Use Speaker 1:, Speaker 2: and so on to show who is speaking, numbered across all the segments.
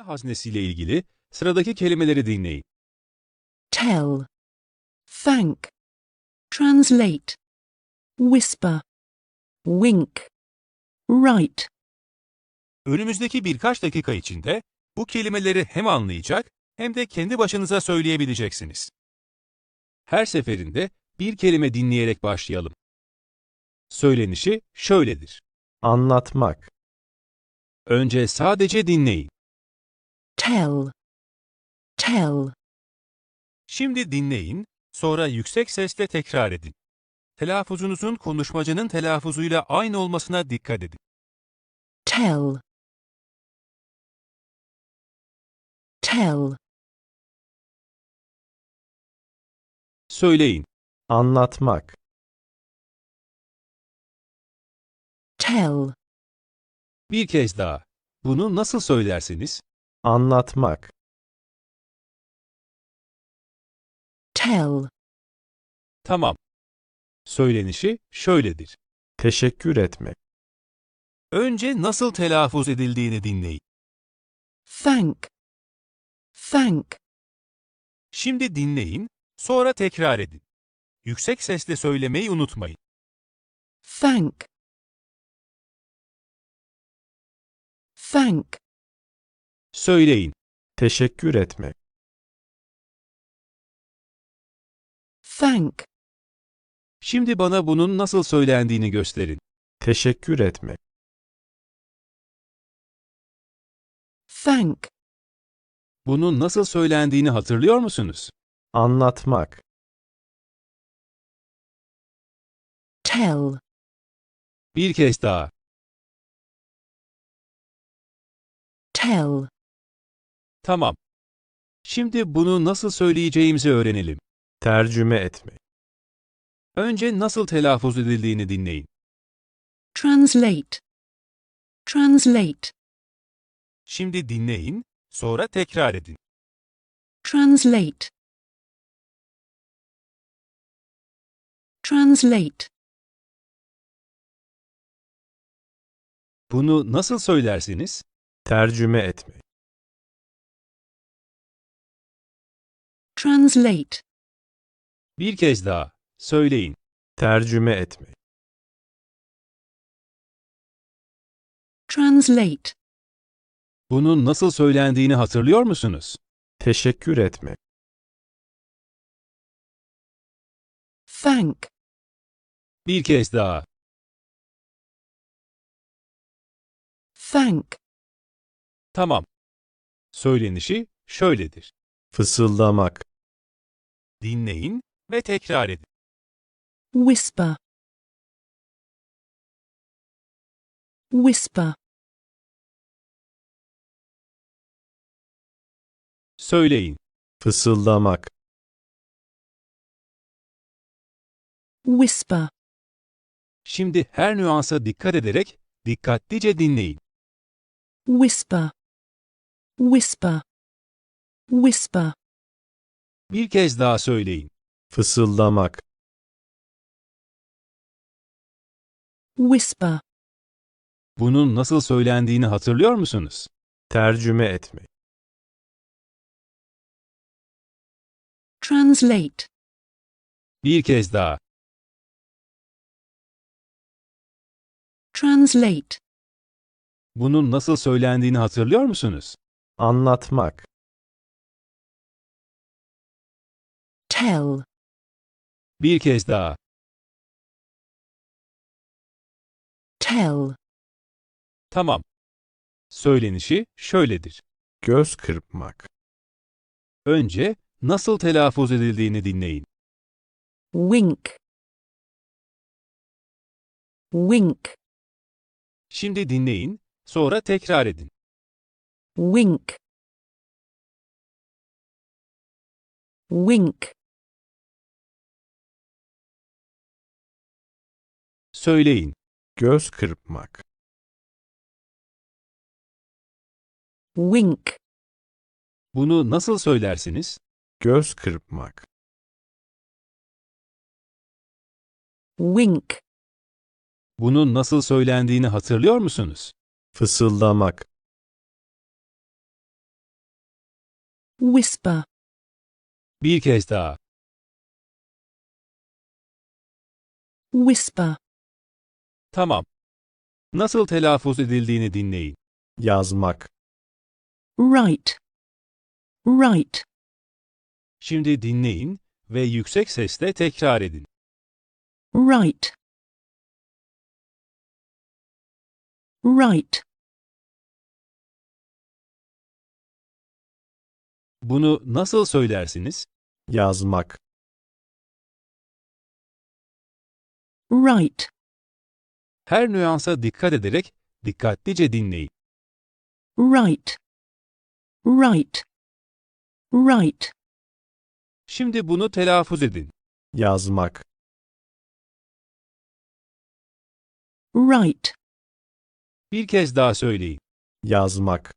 Speaker 1: haznesiyle ilgili sıradaki kelimeleri dinleyin.
Speaker 2: Tell, thank, translate, whisper, wink, write.
Speaker 1: Önümüzdeki birkaç dakika içinde bu kelimeleri hem anlayacak hem de kendi başınıza söyleyebileceksiniz. Her seferinde bir kelime dinleyerek başlayalım. Söylenişi şöyledir.
Speaker 3: Anlatmak.
Speaker 1: Önce sadece dinleyin.
Speaker 2: Tell, tell,
Speaker 1: Şimdi dinleyin, sonra yüksek sesle tekrar edin. Telaffuzunuzun konuşmacının telaffuzuyla aynı olmasına dikkat edin.
Speaker 2: tell, tell,
Speaker 1: Söyleyin.
Speaker 3: Anlatmak.
Speaker 2: tell,
Speaker 1: Bir kez daha. Bunu nasıl söylersiniz?
Speaker 3: Anlatmak.
Speaker 2: tell,
Speaker 1: Tamam. Söylenişi şöyledir.
Speaker 3: Teşekkür etmek.
Speaker 1: Önce nasıl telaffuz edildiğini dinleyin.
Speaker 2: thank, thank,
Speaker 1: Şimdi dinleyin, sonra tekrar edin. Yüksek sesle söylemeyi unutmayın.
Speaker 2: thank, thank,
Speaker 1: Söyleyin.
Speaker 3: Teşekkür etmek.
Speaker 2: thank,
Speaker 1: Şimdi bana bunun nasıl söylendiğini gösterin.
Speaker 3: Teşekkür etmek.
Speaker 2: thank,
Speaker 1: Bunun nasıl söylendiğini hatırlıyor musunuz?
Speaker 3: Anlatmak.
Speaker 2: tell,
Speaker 1: Bir kez daha.
Speaker 2: tell,
Speaker 1: Tamam. Şimdi bunu nasıl söyleyeceğimizi öğrenelim.
Speaker 3: Tercüme etmek.
Speaker 1: Önce nasıl telaffuz edildiğini dinleyin.
Speaker 2: translate, translate,
Speaker 1: Şimdi dinleyin, sonra tekrar edin.
Speaker 2: translate, translate,
Speaker 1: Bunu nasıl söylersiniz?
Speaker 3: Tercüme etmek.
Speaker 2: translate,
Speaker 1: Bir kez daha. Söyleyin.
Speaker 3: Tercüme etmek.
Speaker 2: translate,
Speaker 1: Bunun nasıl söylendiğini hatırlıyor musunuz?
Speaker 3: Teşekkür etmek.
Speaker 2: thank,
Speaker 1: Bir kez daha.
Speaker 2: thank,
Speaker 1: Tamam. Söylenişi şöyledir.
Speaker 3: Fısıldamak.
Speaker 1: Dinleyin ve tekrar edin.
Speaker 2: whisper, whisper,
Speaker 1: Söyleyin.
Speaker 3: Fısıldamak.
Speaker 2: whisper,
Speaker 1: Şimdi her nüansa dikkat ederek dikkatlice dinleyin.
Speaker 2: whisper, whisper, whisper,
Speaker 1: Bir kez daha söyleyin.
Speaker 3: Fısıldamak.
Speaker 2: whisper,
Speaker 1: Bunun nasıl söylendiğini hatırlıyor musunuz?
Speaker 3: Tercüme etmek.
Speaker 2: translate,
Speaker 1: Bir kez daha.
Speaker 2: translate,
Speaker 1: Bunun nasıl söylendiğini hatırlıyor musunuz?
Speaker 3: Anlatmak.
Speaker 2: tell,
Speaker 1: Bir kez daha.
Speaker 2: tell,
Speaker 1: Tamam. Söylenişi şöyledir.
Speaker 3: Göz kırpmak.
Speaker 1: Önce nasıl telaffuz edildiğini dinleyin.
Speaker 2: wink, wink,
Speaker 1: Şimdi dinleyin, sonra tekrar edin.
Speaker 2: wink, wink,
Speaker 1: Söyleyin.
Speaker 3: Göz kırpmak.
Speaker 2: wink,
Speaker 1: Bunu nasıl söylersiniz?
Speaker 3: Göz kırpmak.
Speaker 2: wink,
Speaker 1: Bunun nasıl söylendiğini hatırlıyor musunuz?
Speaker 3: Fısıldamak.
Speaker 2: whisper,
Speaker 1: Bir kez daha.
Speaker 2: whisper,
Speaker 1: Tamam. Nasıl telaffuz edildiğini dinleyin.
Speaker 3: yazmak,
Speaker 2: write, write,
Speaker 1: Şimdi dinleyin ve yüksek sesle tekrar edin.
Speaker 2: write, write,
Speaker 1: Bunu nasıl söylersiniz?
Speaker 3: yazmak,
Speaker 2: write,
Speaker 1: Her nüansa dikkat ederek dikkatlice dinleyin.
Speaker 2: write, write, write,
Speaker 1: Şimdi bunu telaffuz edin.
Speaker 3: yazmak,
Speaker 2: write,
Speaker 1: Bir kez daha söyleyin.
Speaker 3: yazmak,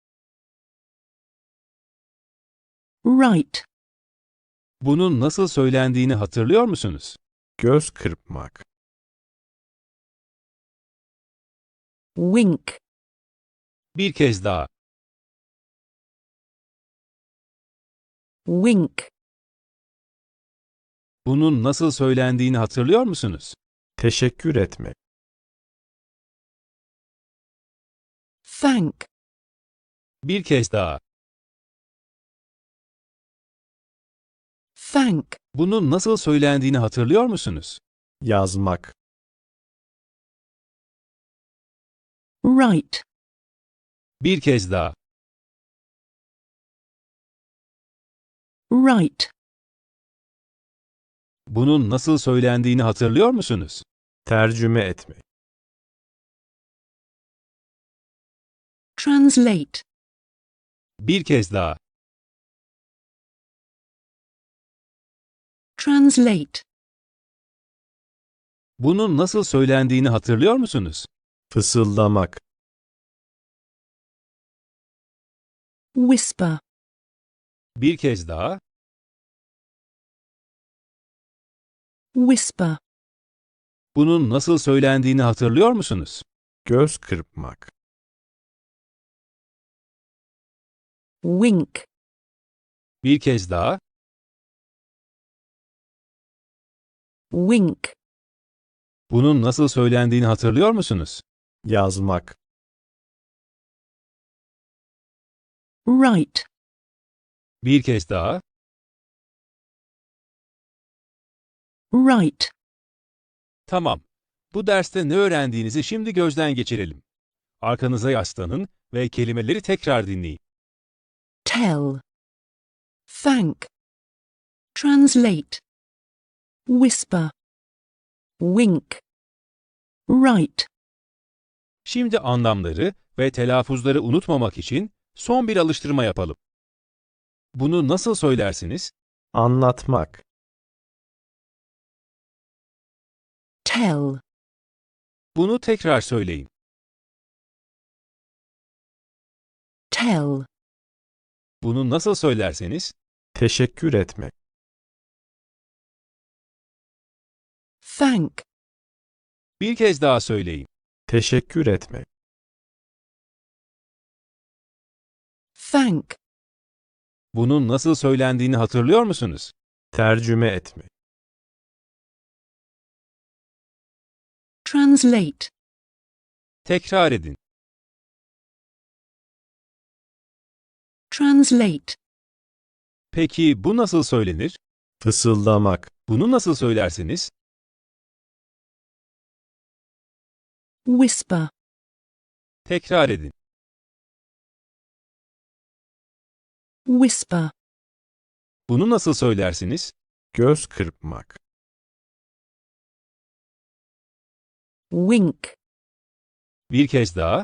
Speaker 2: write,
Speaker 1: Bunun nasıl söylendiğini hatırlıyor musunuz?
Speaker 3: göz kırpmak,
Speaker 2: wink,
Speaker 1: Bir kez daha.
Speaker 2: wink,
Speaker 1: Bunun nasıl söylendiğini hatırlıyor musunuz?
Speaker 3: teşekkür etmek,
Speaker 2: thank,
Speaker 1: Bir kez daha.
Speaker 2: thank,
Speaker 1: Bunun nasıl söylendiğini hatırlıyor musunuz?
Speaker 3: yazmak,
Speaker 2: write,
Speaker 1: Bir kez daha.
Speaker 2: write,
Speaker 1: Bunun nasıl söylendiğini hatırlıyor musunuz?
Speaker 3: tercüme etmek,
Speaker 2: translate,
Speaker 1: Bir kez daha.
Speaker 2: translate,
Speaker 1: Bunun nasıl söylendiğini hatırlıyor musunuz?
Speaker 3: fısıldamak,
Speaker 2: whisper,
Speaker 1: Bir kez daha.
Speaker 2: whisper,
Speaker 1: Bunun nasıl söylendiğini hatırlıyor musunuz?
Speaker 3: göz kırpmak,
Speaker 2: wink,
Speaker 1: Bir kez daha.
Speaker 2: wink,
Speaker 1: Bunun nasıl söylendiğini hatırlıyor musunuz?
Speaker 3: yazmak,
Speaker 2: write,
Speaker 1: Bir kez daha.
Speaker 2: write,
Speaker 1: Tamam. Bu derste ne öğrendiğinizi şimdi gözden geçirelim. Arkanıza yaslanın ve kelimeleri tekrar dinleyin.
Speaker 2: tell, thank, translate, whisper, wink, write.
Speaker 1: Şimdi anlamları ve telaffuzları unutmamak için son bir alıştırma yapalım. Bunu nasıl söylersiniz?
Speaker 3: anlatmak,
Speaker 2: Tell,
Speaker 1: Bunu tekrar söyleyin.
Speaker 2: tell,
Speaker 1: Bunu nasıl söylerseniz,
Speaker 3: teşekkür etmek,
Speaker 2: thank,
Speaker 1: bir kez daha söyleyin.
Speaker 3: teşekkür etmek,
Speaker 2: thank,
Speaker 1: Bunun nasıl söylendiğini hatırlıyor musunuz?
Speaker 3: tercüme etmek,
Speaker 2: translate,
Speaker 1: Tekrar edin.
Speaker 2: translate,
Speaker 1: Peki bu nasıl söylenir?
Speaker 3: fısıldamak,
Speaker 1: Bunu nasıl söylersiniz?
Speaker 2: whisper,
Speaker 1: Tekrar edin.
Speaker 2: whisper,
Speaker 1: Bunu nasıl söylersiniz?
Speaker 3: göz kırpmak,
Speaker 2: wink,
Speaker 1: Bir kez daha.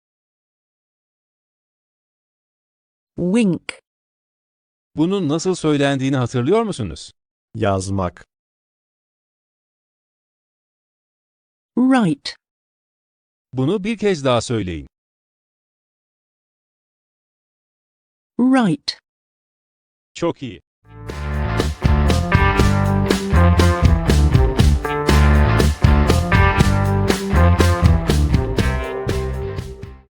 Speaker 2: wink,
Speaker 1: Bunun nasıl söylendiğini hatırlıyor musunuz?
Speaker 3: yazmak,
Speaker 2: write,
Speaker 1: Bunu bir kez daha söyleyin.
Speaker 2: write.
Speaker 1: Çok iyi.